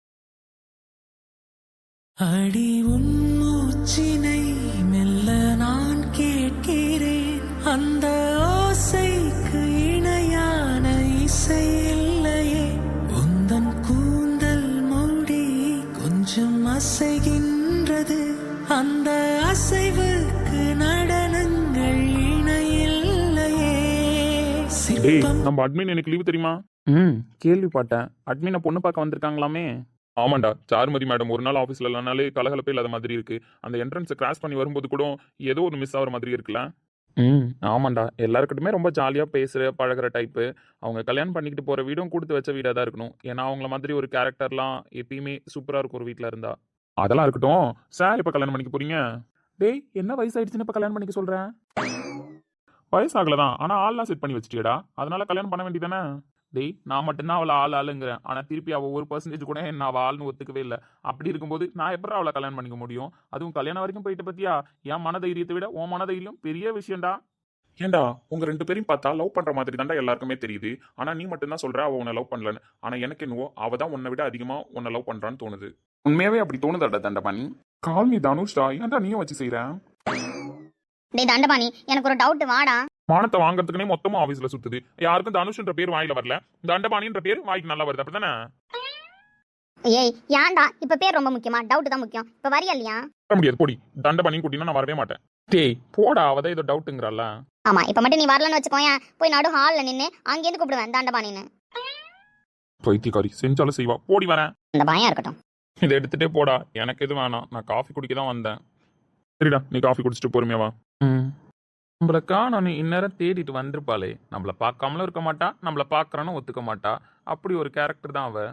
S1: அடி உன் மூச்சினை மெல்ல நான் கேட்கிறேன், அந்த ஓசைக்கு இணையான இசை இல்லையே. உந்தன் கூந்தல் மூடி கொஞ்சம் அசைகின்றது, அந்த அசைவுக்கு நடனங்கள் இணையில்லையே.
S4: டேய்,
S1: சிற்பம்
S4: நம்ம அட்மின் எனக்கு லீவு தெரியுமா? கேள்விப்பட்டேன். அட்மினை பொண்ணு பார்க்க வந்திருக்காங்களாமே. ஆமாண்டா, சாருமதி மேடம் ஒரு நாள் ஆஃபீஸில் இல்லைனாலே கலகலப்பே இல்லாத மாதிரி இருக்கு. அந்த என்ட்ரன்ஸை கிராஸ் பண்ணி வரும்போது கூட ஏதோ ஒரு மிஸ் ஆகிற மாதிரி இருக்குல்ல. ஆமாண்டா, எல்லாருக்கிட்டுமே ரொம்ப ஜாலியாக பேசுகிற பழகிற டைப்பு. அவங்க கல்யாணம் பண்ணிக்கிட்டு போகிற வீடும் கொடுத்து வச்ச வீடாக தான் இருக்கணும். ஏன்னா அவங்கள மாதிரி ஒரு கேரக்டர்லாம் எப்பயுமே சூப்பராக இருக்கும் ஒரு வீட்டில் இருந்தா. அதெல்லாம் இருக்கட்டும். சார் இப்போ கல்யாணம் பண்ணிக்க போறீங்க? டேய், என்ன வயசாயிடுச்சுன்னு இப்போ கல்யாணம் பண்ணிக்க சொல்கிறேன்? வயசாகலதான், ஆனால் ஆள்லாம் செட் பண்ணி வச்சிட்டியடா. அதனால கல்யாணம் பண்ண வேண்டியதானே? டேய், நான் மட்டும்தான் அவளை ஆளுங்கிறேன். ஆனால் திருப்பி அவள் 1% கூட என்ன அவள் ஆள்னு ஒத்துக்கவே இல்லை. அப்படி இருக்கும்போது நான் எப்படி அவளை கல்யாணம் பண்ணிக்க முடியும்? அதுவும் கல்யாணம் வரைக்கும் போயிட்டு பத்தியா? என் மனதைரியத்தை விட உன் மனதைரியம் பெரிய விஷயம்டா. ஏண்டா, உங்க 2 பேரையும் பார்த்தா லவ் பண்ற மாதிரி தாண்டா எல்லாருக்குமே தெரியுது. ஆனா நீ மட்டும்தான் சொல்ற அவ உன்னை லவ் பண்ணலன்னு. ஆனா எனக்கு என்னவோ அவ தான் உன்னை விட அதிகமா உன்னை லவ் பண்றான்னு தோணுது. உண்மையாவே அப்படி தோணுதாடா தண்டபாணி? கால் மீ தனுஷ்டா, ஏன்டா நீயும் வச்சு செய்யற?
S3: டேய் தண்டபாணி, எனக்கு ஒரு டவுட், வாடா.
S4: மானத்தை வாங்குறதுக்குனே மொத்தமா ஆபீஸ்ல சுத்துது. யாருக்கும் தனுஷ்ன்ற பேர் வாயில வரல, தண்டபாணின்ற பேர் வாய்க்கு நல்லா வருது. அப்படிதானே?
S3: ஏய் ஏன்டா, இப்போ பேர் ரொம்ப முக்கியமா? டவுட் தான் முக்கியம். இப்போ வரியா இல்லையா?
S4: வர முடியாது, போடி. தண்டபாணின்னு கூட்டினா நான் வரவே மாட்டேன். டேய் போடா, அவதான் ஏதோ டவுட்டுங்கிறல்ல.
S3: ஆமா, இப்போ மட்டும் நீ வரலன்னு வச்சுக்கோயேன், போய் நடு ஹாலில் நின்று அங்கேருந்து கூப்பிடுவேன் தண்டபாணின்னு.
S4: பைத்தியக்காரி, செஞ்சாலும் செய்வா. போடி வரேன்.
S3: இந்த பயம் இருக்கட்டும்.
S4: இதை எடுத்துட்டே போடா, எனக்கு எதுவும் வேணாம். நான் காஃபி குடிக்க தான் வந்தேன். சரிடா, நீ காஃபி குடிச்சிட்டு பொறுமையா வா. நம்மளக்கா நான் இந்நேரம் தேடிட்டு வந்திருப்பாளே. நம்மள பார்க்காமலும் இருக்க மாட்டா, நம்மள பார்க்கறான்னு ஒத்துக்க மாட்டா. அப்படி ஒரு கேரக்டர் தான் அவ.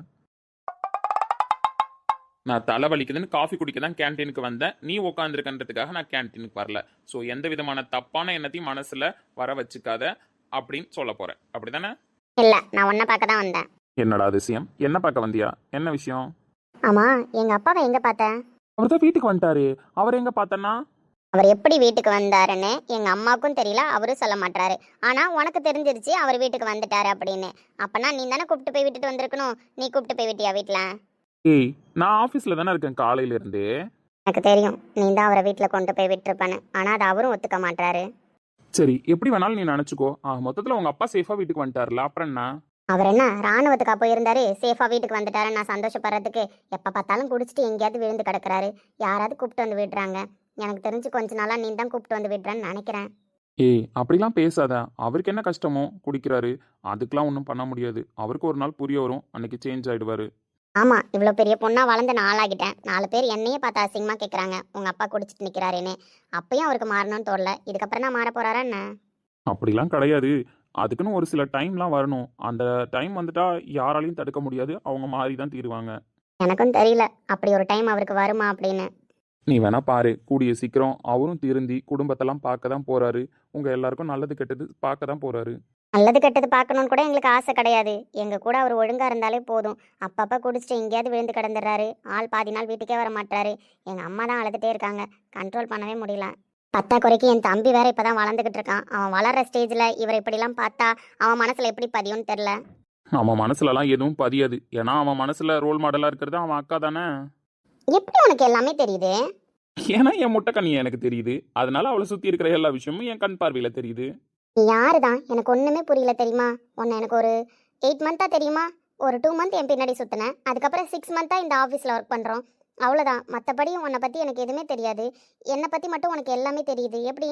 S4: நான் தலை வலிக்குதுன்னு காஃபி குடிக்க தான் கேன்டீனுக்கு வந்தேன். நீ உட்காந்துருக்கன்றதுக்காக நான் கேன்டீனுக்கு வரல. ஸோ எந்த விதமான தப்பான எண்ணத்தையும் மனசுல வர வச்சுக்காத அப்படின்னு சொல்ல போறேன். அப்படிதானே?
S3: இல்லை, நான் உன்னை பார்க்க தான் வந்தேன்.
S4: என்னடா அதிசயம்? என்ன பார்க்க வந்தியா? என்ன விஷயம்?
S3: ஆமா, எங்க அப்பாவை எங்க பார்த்தேன்?
S4: அவர் தான் வீட்டுக்கு வந்துட்டாரு. அவர் எங்க பார்த்தனா?
S3: அவர் எப்படி வீட்டுக்கு வந்தாருன்னு எங்க அம்மாவுக்கும் தெரியல, அவரும் சொல்ல மாட்டாரு. ஆனா உனக்கு தெரிஞ்சிருச்சு அவர் வீட்டுக்கு வந்துட்டாரு அப்படின்னு. அப்பனா நீ தானே கூப்பிட்டு போய் விட்டுட்டு வந்திருக்கணும். நீ கூப்பிட்டு போய் விட்டியா வீட்டுல?
S4: ஏய், நான் ஆஃபீஸில் தானே இருக்கேன் காலையில இருந்து.
S3: எனக்கு தெரியும் நீ தான் அவரை வீட்டுல கொண்டு போய் விட்டுருப்பானு. ஆனா அது அவரும் ஒத்துக்க மாட்டாரு.
S4: சரி, எப்படி வேணாலும் நீ நினச்சிக்கோ. மொத்தத்தில் உங்க அப்பா சேஃபாக வீட்டுக்கு வந்துட்டார்ல, அப்புறம் என்ன?
S3: அவர் என்ன ராணுவத்துக்கா போயிருந்தாரு, சேஃபா வீட்டுக்கு வந்துட்டாரு நான் சந்தோஷப்படுறதுக்கு? எப்ப பார்த்தாலும் குடிச்சிட்டு எங்கேயாவது விழுந்து கிடக்குறாரு. யாராவது கூப்பிட்டு வந்து விடுறாங்க? எனக்கு தெரிஞ்சு கொஞ்ச நாளா நீ தான் கூப்பிட்டு வந்து விடுறேன்னு நினைக்கிறேன்.
S4: ஏய், அப்படிலாம் பேசாத. அவருக்கு என்ன கஷ்டமோ குடிக்கிறாரு, அதுக்கெலாம் ஒன்றும் பண்ண முடியாது. அவருக்கு ஒரு நாள் புரிய வரும், அன்னைக்கு சேஞ்ச் ஆயிடுவாரு.
S3: ஆமா, இவ்வளோ பெரிய பொண்ணா வளர்ந்து நாளாகிட்டேன். 4 பேர் என்னையே பார்த்து அசிங்கமா கேட்குறாங்க உங்க அப்பா குடிச்சிட்டு நிற்கிறாருன்னு. அப்பயும் அவருக்கு மாறணும்னு தோணல. இதுக்கப்புறம் நான் மாற போறாரா என்ன?
S4: அப்படிலாம் கிடையாது. அதுக்குன்னு ஒரு சில டைம்லாம் வரணும். அந்த டைம் வந்துட்டா யாராலையும் தடுக்க முடியாது. அவங்க மாறி தான் தீருவாங்க.
S3: எனக்கும் தெரியல அப்படி ஒரு டைம் அவருக்கு வருமா அப்படின்னு.
S4: நீ வேணா பாரு, கூடிய சீக்கிரம் அவரும் திருந்தி குடும்பத்தெல்லாம் பார்க்க தான் போறாரு. உங்க எல்லாருக்கும் நல்லது கெட்டது பார்க்க தான் போறாரு.
S3: நல்லது கெட்டது பார்க்கணும்னு கூட எங்களுக்கு ஆசை கிடையாது. எங்க கூட அவர் ஒழுங்கா இருந்தாலே போதும். அப்பப்போ குடிச்சிட்டு எங்கேயாவது விழுந்து கிடந்துடுறாரு. ஆள் பாதி நாள் வீட்டுக்கே வர மாட்டாரு. எங்க அம்மா தான் அழுதுட்டே இருக்காங்க, கண்ட்ரோல் பண்ணவே முடியல. பத்தாக்குறைக்கு என் தம்பி வேற இப்பதான் வளர்ந்துகிட்டு இருக்கான். அவன் வளர்ற ஸ்டேஜ்ல இவர் இப்படிலாம் பார்த்தா அவன் மனசுல எப்படி பதியும்னு தெரியல.
S4: அவன் மனசுலலாம் எதுவும் பதியாது. ஏன்னா அவன் மனசுல ரோல் மாடலா இருக்கிறது அவன் அக்கா தானே.
S3: எப்படி உனக்கு எல்லாமே தெரியுது?
S4: ஏன்னா என் முட்டைக்கண்ணி எனக்கு தெரியுது. அதனால அவளை சுத்தி இருக்கிற எல்லா விஷயமும் என் கண் பார்வையில தெரியுது.
S3: நீ யாரு தான் எனக்கு ஒன்றுமே புரியல தெரியுமா? உன்னை எனக்கு ஒரு 8 மந்த்தாக தெரியுமா? ஒரு 2 மந்த் என் பின்னாடி சுற்றினேன். அதுக்கப்புறம் 6 மந்த்தாக இந்த ஆஃபீஸில் ஒர்க் பண்ணுறோம். அவ்வளோதான். மற்றபடி உன்னை பற்றி எனக்கு எதுவுமே தெரியாது. என்னை பற்றி மட்டும் உனக்கு எல்லாமே தெரியுது. எப்படி?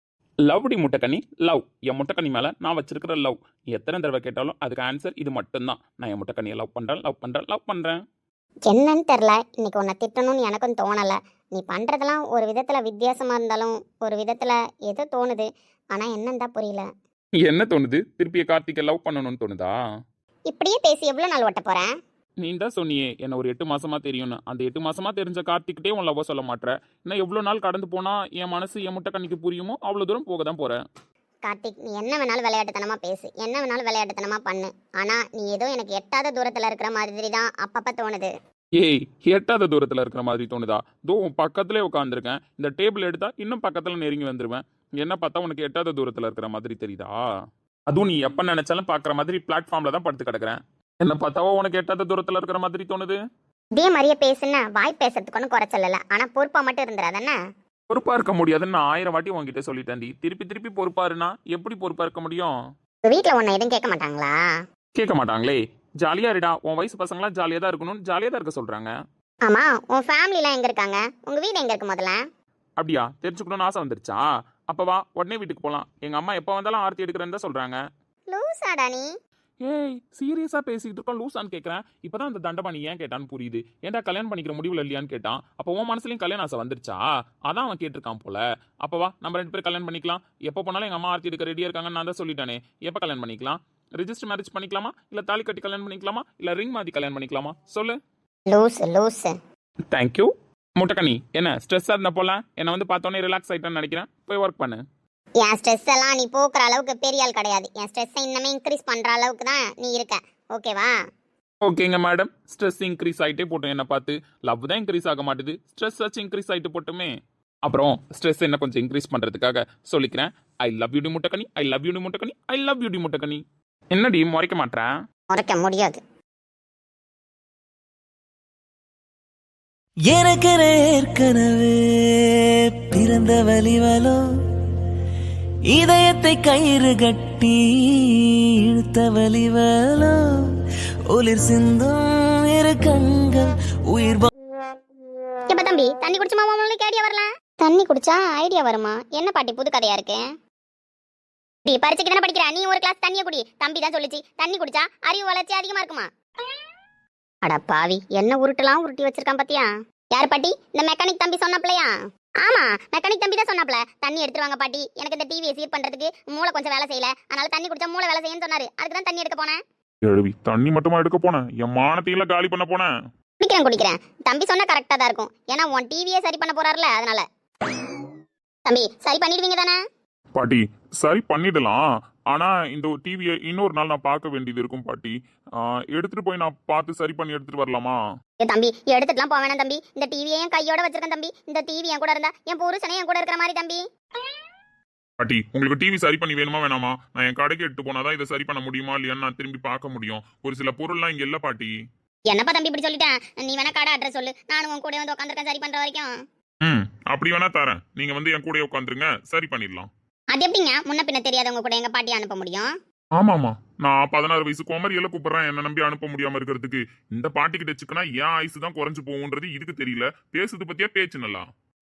S4: லவ்டி முட்டைக்கண்ணி, லவ். என் முட்டைக்கண்ணி மேல நான் வச்சிருக்கிற லவ். எத்தனை தடவை கேட்டாலும் அதுக்கு ஆன்சர் இது மட்டும்தான். நான் என் முட்டைக்கண்ணியை லவ் பண்றேன், லவ் பண்றேன், லவ் பண்றேன்.
S3: என்னன்னு தெரில, இன்னைக்கு உன்னை திட்டணும்னு எனக்கும் தோணலை. நீ பண்ணுறதெல்லாம் ஒரு விதத்தில் வித்தியாசமாக இருந்தாலும் ஒரு விதத்தில் ஏதோ தோணுது. ஆனால் என்னன்னு தான் புரியல.
S4: என்ன தோணுது? திருப்பிய கார்த்திகை லவ் பண்ணணும்னு தோணுதா?
S3: இப்படியே பேசி எவ்வளோ நாள் ஓட்ட போகிறேன்?
S4: நீ தான் சொன்னியே என்ன ஒரு 8 மாசமா தெரியும்னு. அந்த 8 மாசமா தெரிஞ்ச கார்த்திக்கிட்டே உன் லவ் சொல்ல மாட்டேற. இன்னும் எவ்வளோ நாள் கடந்து போனா என் மனசு என் முட்டைக்கண்ணிக்கு புரியுமோ அவ்வளோ தூரம் போக தான் போறேன்.
S3: கார்த்திக், நீ என்ன வேணாலும் விளையாட்டுத்தனமா பேசு, என்ன வேணாலும் விளையாட்டுத்தனமா பண்ணு. ஆனா நீ ஏதோ எனக்கு எட்டாத தூரத்துல இருக்கிற மாதிரி தான் அப்பப்ப தோணுது.
S4: ஏய், எட்டாத தூரத்தில் இருக்கிற மாதிரி தோணுதா? தோ உன் பக்கத்துலேயே உட்காந்துருக்கேன். இந்த டேபிள் எடுத்தா இன்னும் பக்கத்தில் நெருங்கி வந்துடுவேன். என்ன பார்த்தா உனக்கு எட்டாத தூரத்தில் இருக்கிற மாதிரி தெரியுதா? அதுவும் நீ எப்போ நினைச்சாலும் பார்க்குற மாதிரி பிளாட்ஃபார்மில் தான் படுத்து கிடக்குறேன். என்ன பார்த்தாவோ உனக்கு எட்டாத தூரத்தில் இருக்கிற மாதிரி தோணுது?
S3: இதே மாதிரியே பேசுன வாய் பேசுறதுக்கு ஒன்றும் குறைச்சல. ஆனா பொறுப்பா மட்டும் இருந்துடாதானே.
S4: பொறுப்பா இருக்க முடியாதுன்னு நான் 1000 வாட்டி உன்கிட்ட சொல்லிட்டேன்டி. திருப்பி திருப்பி பொறுப்பாருனா எப்படி பொறுப்பா இருக்க முடியும்?
S3: உங்க வீட்டுல உன்னை எதுவும் கேட்க மாட்டாங்களா?
S4: கேட்க மாட்டாங்களே. ஜாலியா இருடா, உன் வயசு பசங்களாம் ஜாலியா தான் இருக்கணும்னு ஜாலியா தான் இருக்க சொல்றாங்க.
S3: ஆமா, உன் ஃபேமிலிலாம் எங்க இருக்காங்க? உங்க வீடு எங்க இருக்கு முதல்ல?
S4: அப்படியா? தெரிஞ்சுக்கணும்னு ஆசை வந்துருச்சா? அப்ப வா, உடனே வீட்டுக்கு போலாம். எங்க அம்மா எப்போ வந்தாலும் ஆர்த்தி எடுக்கிறேன்னு தான் சொல்றாங்க.
S3: லூசாடா நீ.
S4: ஏய், சீரியஸா பேசிக்கிட்டு இருக்கோம், லூசான்னு கேட்கறேன். இப்பதான் அந்த தண்டபாணி ஏன் கேட்டான்னு புரியுது. ஏன்டா கல்யாணம் பண்ணிக்கிற முடிவுல இல்லையான்னு கேட்டான். அப்போ உன் மனசுலயும் கல்யாணம் ஆசை வந்துருச்சா? அதான் அவன் கேட்டிருக்கான் போல. அப்ப வா, நம்ம 2 பேரும் கல்யாணம் பண்ணிக்கலாம். எப்போ போனாலும் எங்க அம்மா ஆர்த்தி எடுக்க ரெடியா இருக்காங்கன்னு நான் தான் சொல்லிட்டானே. எப்போ கல்யாணம் பண்ணிக்கலாம்? ரெஜிஸ்டர் மேரேஜ் பண்ணிக்கலாமா, இல்ல தாலி கட்டி கல்யாணம் பண்ணிக்கலாமா, இல்ல ரிங் மாத்தி கல்யாணம் பண்ணிக்கலாமா? சொல்லு.
S3: லூசு.
S4: தேங்க்யூ. முட்டைக்கண்ணி, என்ன ஸ்ட்ரெஸ்ஸா இருந்த போல? என்ன வந்து பார்த்தோன்னே ரிலாக்ஸ் ஆயிட்டேன்னு நினைக்கிறேன். போய் ஒர்க் பண்ணு.
S3: என் ஸ்ட்ரெஸ் எல்லாம் நீ போக்குற அளவுக்கு பெரிய ஆள் கிடையாது. என் ஸ்ட்ரெஸ்ஸை இன்னமே இன்க்ரீஸ் பண்ற அளவுக்கு தான் நீ இருக்க. ஓகேவா?
S4: ஓகேங்க மேடம். ஸ்ட்ரெஸ் இன்க்ரீஸ் ஆகிட்டே போட்டோம். என்ன பார்த்து லவ் தான் இன்க்ரீஸ் ஆக மாட்டுது, ஸ்ட்ரெஸ் ஆச்சு இன்க்ரீஸ் ஆகிட்டு போட்டுமே. அப்புறம் ஸ்ட்ரெஸ் என்ன கொஞ்சம் இன்க்ரீஸ் பண்ணுறதுக்காக சொல்லிக்கிறேன். ஐ லவ் யூ டி முட்டைக்கண்ணி, ஐ லவ் யூ டி முட்டைக்கண்ணி, ஐ லவ் யூ டி முட்டைக்கண்ணி. என்னடி முறைக்க மாட்டேன்?
S3: முறைக்க முடியாது.
S1: எனக்கு ஏற்கனவே பிறந்த வலிவலோ, இதயத்தை கயிறு கட்டி இழுத்த வலிவலோ, ஒளிர் சிந்தும் இரு கண்கள் உயிர்.
S3: எப்ப தம்பி தண்ணி குடிச்சுமா உங்களுக்கு ஐடியா வரலாம்? தண்ணி குடிச்சா ஐடியா வருமா? என்ன பாட்டி புது கதையா இருக்கு? பரீட்சைக்கு தானே படிக்கிற, நீ ஒரு கிளாஸ் தண்ணியை குடி. தம்பி தான் சொல்லிச்சு தண்ணி குடிச்சா அறிவு வளர்ச்சி அதிகமா இருக்குமா. அட பாவி, என்ன உருட்டலாம் உருட்டி வச்சிருக்கான் பாத்தியா? யார் பாட்டி? இந்த மெக்கானிக் தம்பி சொன்னாப்லையா? ஆமா, மெக்கானிக் தம்பி தான் சொன்னாப்ல. தண்ணி எடுத்துருவாங்க பாட்டி, எனக்கு இந்த டிவியை சீர் பண்றதுக்கு மூளை கொஞ்சம் வேலை செய்யல, அதனால தண்ணி குடிச்சா மூளை வேலை செய்யன்னு சொன்னாரு. அதுக்கு தான் தண்ணி எடுக்க போனேன்.
S2: எழுவி தண்ணி மட்டுமா எடுக்க போனேன்? என் மானத்தையெல்லாம் காலி பண்ண போனேன்.
S3: குடிக்கிறேன். தம்பி சொன்னா கரெக்டா தான் இருக்கும். ஏன்னா உன் டிவியை சரி பண்ண போறாருல, அதனால. தம்பி சரி பண்ணிடுவீங்க தானே?
S2: பாட்டி சரி பண்ணிடலாம். ஆனா இந்த டிவியை இன்னொரு நாள் நான் பார்க்க வேண்டியது இருக்கும் பாட்டி. எடுத்துட்டு போய் நான் பார்த்து சரி பண்ணி எடுத்துட்டு வரலாமா?
S3: தம்பி எடுத்துட்டுலாம் போக வேணாம் தம்பி. இந்த டிவியை என் கையோட வச்சிருக்கேன் தம்பி. இந்த டிவி என் கூட இருந்தா என் புருஷனே என் கூட இருக்கிற மாதிரி தம்பி.
S2: பாட்டி உங்களுக்கு டிவி சரி பண்ணி வேணுமா வேணாமா? நான் என் கடைக்கு எடுத்து போனாதான் இதை சரி பண்ண முடியுமா இல்லையான்னு நான் திரும்பி பார்க்க முடியும். ஒரு சில பொருள்லாம் இங்க இல்ல பாட்டி.
S3: என்னப்பா தம்பி இப்படி சொல்லிட்டேன்? நீ வேணா கடை அட்ரஸ் சொல்லு, நானும் உன் கூட வந்து உட்காந்துருக்கேன் சரி பண்ற வரைக்கும்.
S2: அப்படி வேணா தரேன். நீங்க வந்து என் கூட உட்காந்துருங்க, சரி பண்ணிடலாம்.
S3: அது எப்படிங்க முன்ன பின்ன தெரியாதவங்க கூட எங்க பாட்டி அனுப்ப முடியும்?
S2: ஆமாமா, நான் 16 வயசு குமரியெல்லாம் கூப்பிடுறேன் என்ன நம்பி அனுப்ப முடியாம இருக்கிறதுக்கு. இந்த பாட்டி கிட்ட வச்சுக்கனா என் ஆயுசு தான் குறைஞ்சு போகுன்றது இதுக்கு தெரியல. பேசுது பத்தியா பேச்சு நல்லா.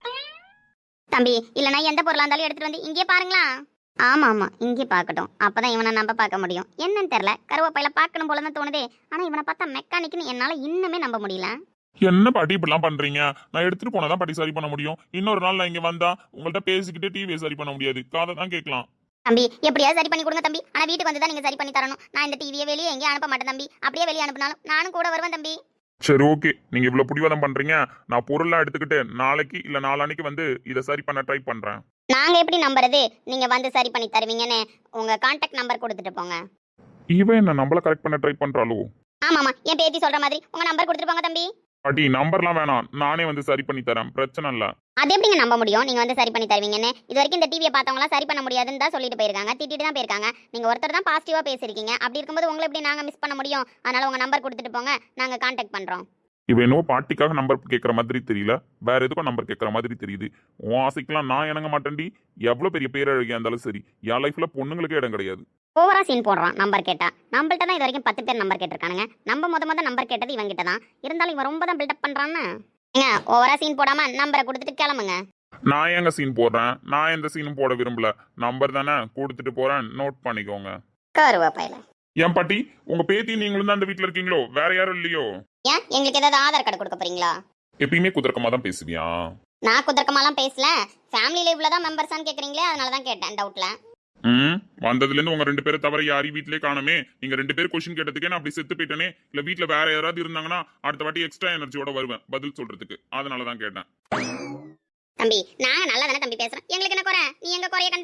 S3: தம்பி இல்லனா எந்த பொருளா இருந்தாலும் எடுத்துட்டு வந்து இங்கே பாருங்களா. ஆமா இங்கே பார்க்கட்டும், அப்பதான் இவனை நம்ப பார்க்க முடியும். என்னன்னு தெரியல, கருவேப்பையில பார்க்கணும் போலதான் தோணுதே. ஆனா இவனை பார்த்தா மெக்கானிக்னு என்னால இன்னுமே நம்ப முடியல.
S2: என்ன பாட்டி இப்படிலாம் பண்றீங்க? நான் எடுத்துட்டு போனாதான் பாட்டி சரி பண்ண முடியும். இன்னொரு நாள் நான் இங்க வந்தா உங்கள்ட்ட பேசிக்கிட்டு டிவியை சரி பண்ண முடியாது, காதை தான் கேட்கலாம்.
S3: தம்பி எப்படியாவது சரி பண்ணி கொடுங்க தம்பி. ஆனா வீட்டுக்கு வந்து தான் நீங்க சரி பண்ணி தரணும். நான் இந்த டிவியை வெளியே எங்கேயும் அனுப்ப மாட்டேன் தம்பி. அப்படியே வெளியே அனுப்பினாலும் நானும் கூட வருவேன் தம்பி.
S2: சரி ஓகே, நீங்க இவ்வளவு பிடிவாதம் பண்றீங்க. நான் பொருள்லாம் எடுத்துக்கிட்டு நாளைக்கு இல்ல நாளான்னைக்கு வந்து இதை சரி பண்ண ட்ரை பண்றேன்.
S3: நாங்க எப்படி நம்புறது நீங்க வந்து சரி பண்ணி தருவீங்கன்னு? உங்க கான்டாக்ட் நம்பர் கொடுத்துட்டு போங்க.
S2: இவன் என்ன நம்மள கரெக்ட் பண்ண ட்ரை பண்றாளோ?
S3: ஆமாமா, என் பேத்தி சொல்ற மாதிரி உங்க நம்பர் கொடுத்துட்டு போங்க தம்பி.
S2: பாட்டி நம்பர்லாம் வேணாம், நானே வந்து சரி பண்ணி தரேன், பிரச்சனை இல்ல.
S3: அது எப்படிங்க நம்ப முடியும் நீங்க வந்து சரி பண்ணி தருவீங்கன்னு? இது வரைக்கும் இந்த டிவியை பார்த்தவங்களா சரி பண்ண முடியாதுன்னு தான் சொல்லிட்டு போயிருக்காங்க, திட்டிட்டு தான் போயிருக்காங்க. நீங்க ஒருத்தர் தான் பாசிட்டிவா பேசிருக்கீங்க. அப்படி இருக்கும்போது உங்களை எப்படி நாங்க மிஸ் பண்ண முடியும்? அதனால உங்க நம்பர் கொடுத்துட்டு போங்க, நாங்க கான்டாக்ட் பண்றோம்.
S2: இவ என்னவோ பாட்டிக்காக நம்பர் கேட்கற மாதிரி தெரியல, வேற எதுக்கும் நம்பர் கேட்கற மாதிரி தெரியுது. உன் ஆசைக்கெல்லாம் நான் இணங்க மாட்டேன்டி. எவ்வளவு பெரிய பேரழகியா இருந்தாலும் சரி, என் லைஃப்ல பொண்ணுங்களுக்கே இடம் கிடையாது.
S3: ஓவரா சீன் போடுறான் நம்பர் கேட்டா. நம்மள்ட்ட தான் இது வரைக்கும் 10 பேர் நம்பர் கேட்டிருக்கானுங்க. நம்ம முத நம்பர் கேட்டது இவன் கிட்ட தான். இருந்தாலும் இவன் ரொம்ப தான் பில்டப் பண்றான்னு. ஏங்க ஓவரா சீன் போடாம நம்பரை கொடுத்துட்டு கிளம்புங்க.
S2: நான் ஏங்க சீன் போடுறேன்? நான் எந்த சீனும் போட விரும்பல. நம்பர் தானே கொடுத்துட்டு போறேன், நோட் பண்ணிக்கோங்க.
S3: கருவேப்பையில
S2: ஏன் பாட்டி உங்க பேத்தி நீங்களும் தான் அந்த வீட்டுல இருக்கீங்களோ? வேற யாரும் இல்லையோ?
S3: ஏன் எங்களுக்கு ஏதாவது ஆதார் கார்டு கொடுக்க போறீங்களா?
S2: எப்பயுமே குதர்க்கமா தான் பேசுவியா?
S3: நான் குதர்க்கமாலாம் பேசல. ஃபேமிலியில இவ்வளவுதான் மெம்பர்ஸான்னு கேக்குறீங்களே, அதனால தான் கேட்டேன் டவுட்ல.
S2: வந்ததுல இருந்து உங்க 2 பேரை தவிர யாரையும் வீட்லயே காணுமே. நீங்க 2 பேர் கொஸ்டின் கேட்டதுக்கே நான் அப்படி செத்து போயிட்டேனே. இல்ல வீட்டுல வேற யாராவது இருந்தாங்கன்னா அடுத்த வாட்டி எக்ஸ்ட்ரா எனர்ஜியோட வருவேன் பதில் சொல்றதுக்கு. அதனாலதான் கேட்டேன்.
S3: தம்பி நாங்க நல்லா தானே தம்பி பேசுறோம், எங்களுக்கு என்ன குறை? நீ எங்க குறைய கண்ட?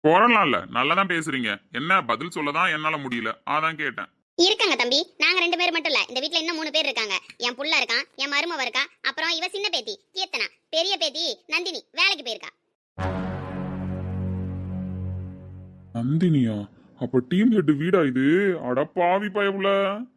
S2: போறலாம்ல நல்லா தான் பேசுறீங்க. என்ன பதில் சொல்லதான் என்னால முடியல, அதான் கேட்டேன்.
S3: இருக்காங்க தம்பி, நாங்க 2 பேர் மட்டும் இல்ல, இந்த வீட்ல இன்னும் 3 பேர் இருக்காங்க. என் புள்ள இருக்கான், என் மருமவ இருக்கா, அப்புறம் இவ சின்ன பேத்தி கீர்த்தனா, பெரிய பேத்தி நந்தினி வேலைக்கு போயிருக்கா.
S2: நந்தினியா? அப்ப டீம் ஹெட் வீடா இது? அட பாவி பயவுல.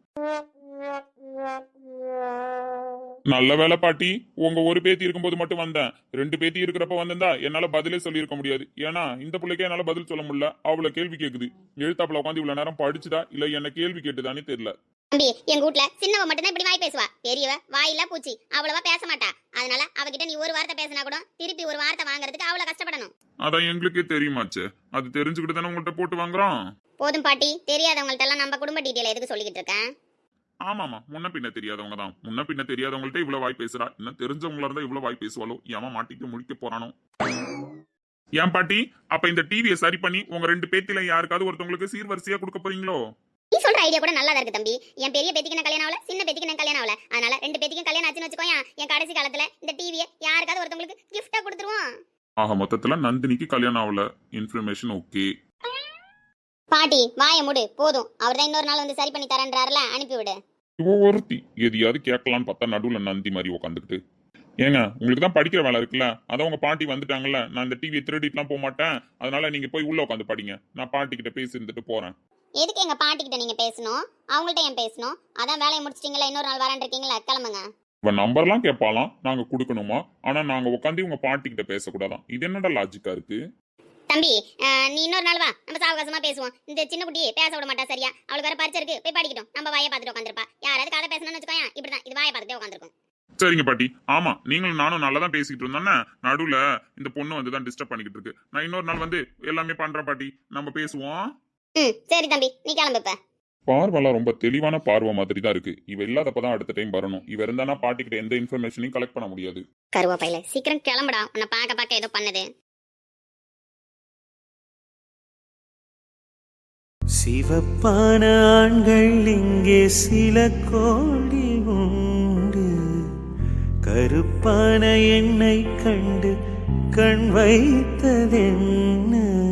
S2: நல்ல வேலை பாட்டி, உங்க ஒரு பேத்தி இருக்கும்போது மட்டும் வந்தேன். 2 பேத்தி இருக்கிறப்ப வந்திருந்தா என்னால பதிலே சொல்லியிருக்க முடியாது. ஏன்னா இந்த பிள்ளைக்கே என்னால பதில் சொல்ல முடியல. அவள கேள்வி கேக்குது. எழுத்தாப்புல உட்காந்து இவ்வளவு நேரம் படிச்சுதா இல்ல என்ன கேள்வி கேட்டுதானே தெரியல.
S3: தம்பி, எங்க வீட்ல சின்னவ மட்டும் தான் இப்படி வாய் பேசுவா. பெரியவ வாயில பூச்சி, அவ்வளவா பேச மாட்டா. அதனால அவகிட்ட நீ ஒரு வார்த்தை பேசினா கூட திருப்பி ஒரு வார்த்தை வாங்குறதுக்கு அவ்வளவு கஷ்டப்படணும்.
S2: அதான் எங்களுக்கே தெரியுமாச்சு. அது தெரிஞ்சுக்கிட்டு தானே உங்கள்கிட்ட போட்டு வாங்குறோம்.
S3: போதும் பாட்டி, தெரியாதவங்கள்ட்ட எல்லாம் நம்ம குடும்ப டீட்டெயில் எதுக்கு சொல்லிக்கிட்டு இருக்கேன்?
S2: ஆமாமா, முன்ன பின்ன தெரியாதவங்க தான். முன்ன பின்ன தெரியாதவங்கள்ட்ட இவ்வளவு வாய் பேசுறா. இன்னும் தெரிஞ்சவங்களா இருந்தா இவ்வளவு வாய் பேசுவாளோ? ஏமா மாட்டிட்டு முடிக்க போறானோ? ஏன் பாட்டி, அப்ப இந்த டிவியை சரி பண்ணி உங்க 2 பேத்தில யாருக்காவது ஒருத்தவங்களுக்கு சீர்வரிசையா கொடுக்க போறீங்களோ?
S3: நீ சொல்ற ஐடியா கூட நல்லா இருக்கு தம்பி. என் பெரிய பேத்திக்கு நான் கல்யாணம் ஆகல, சின்ன பேத்திக்கு நான் கல்யாணம் ஆகல. அதனால 2 பேத்திக்கும் கல்யாணம் ஆச்சுன்னு வச்சுக்கோயா, என் கடைசி காலத்துல இந்த டிவியை யாருக்காவது ஒருத்தவங்களுக்கு கிஃப்டா கொடுத்துருவோம்.
S2: ஆக மொத்தத்துல நந்தினிக்கு கல்யாணம் ஆகல. Information okay.
S3: பாட்டி வாயை மூடு போதும். அவர் தான் இன்னொரு நாள் வந்து சரி பண்ணி தரேன்றாருல, அனுப்பிவிடு.
S2: இவ ஒருத்தி எதையாவது கேட்கலான்னு பார்த்தா நடுவுல நந்தி மாதிரி உட்காந்துக்கிட்டு. ஏங்க, உங்களுக்கு தான் படிக்கிற வேலை இருக்குல்ல, அதான் உங்க பாட்டி வந்துட்டாங்கல்ல. நான் இந்த டிவியை திருடிட்டுலாம் போக மாட்டேன். அதனால நீங்க போய் உள்ள உட்காந்து படிங்க. நான் பாட்டி கிட்ட பேசி இருந்துட்டு போறேன்.
S3: எதுக்கு எங்க பாட்டி கிட்ட நீங்க பேசணும்? அவங்கள்ட்ட ஏன் பேசணும்? அதான் வேலையை முடிச்சிட்டீங்களா, இன்னொரு நாள் வரேன் இருக்கீங்களா, கிளம்புங்க.
S2: இவ நம்பர்லாம் கேட்பாலாம், நாங்க கொடுக்கணுமா? ஆனா நாங்க உட்காந்து உங்க பாட்டி கிட்ட பேசக்கூடாதான். இது என்னடா லாஜிக்கா இருக்கு?
S3: தம்பி, நீ இன்னொரு நாள் வா, நம்ம சாவகாசமா பேசுவோம். இந்த சின்ன குட்டி பேச விட மாட்டா சரியா. அவளுக்கு வேற பரிச்சை இருக்கு, போய் படிக்கட்டும். நம்ம வாயை பார்த்துட்டு உட்காந்துருப்பா. யாராவது கதை பேசணும்னு வச்சுக்கோயா, இப்படிதான் இது வாயை பார்த்துட்டே உட்காந்துருக்கும்.
S2: சரிங்க பாட்டி. ஆமா, நீங்களும் நானும் நல்லா தான் பேசிக்கிட்டு இருந்தோன்னே நடுவுல இந்த பொண்ணு வந்து தான் டிஸ்டர்ப் பண்ணிக்கிட்டு இருக்கு. நான் இன்னொரு நாள் வந்து எல்லாமே பண்றேன் பாட்டி, நம்ம பேசுவோம்.
S3: சரி தம்பி, நீ கிளம்பு இப்ப.
S2: பார்வெல்லாம் ரொம்ப தெளிவான பார்வை மாதிரி தான் இருக்கு. இவ இல்லாதப்பதான் அடுத்த டைம் வரணும். இவ இருந்தானா பாட்டி கிட்ட எந்த இன்ஃபர்மேஷனையும் கலெக்ட் பண்ண முடியாது.
S3: கருவாப்பையில சீக்கிரம் கிளம்புடா, உன்னை பார்க்க பார்க்க ஏதோ பண்ணுது.
S1: சிவப்பான ஆண்கள் இங்கே சில கோடி உண்டு, கருப்பான எண்ணெய் கண்டு கண் வைத்ததென்ன?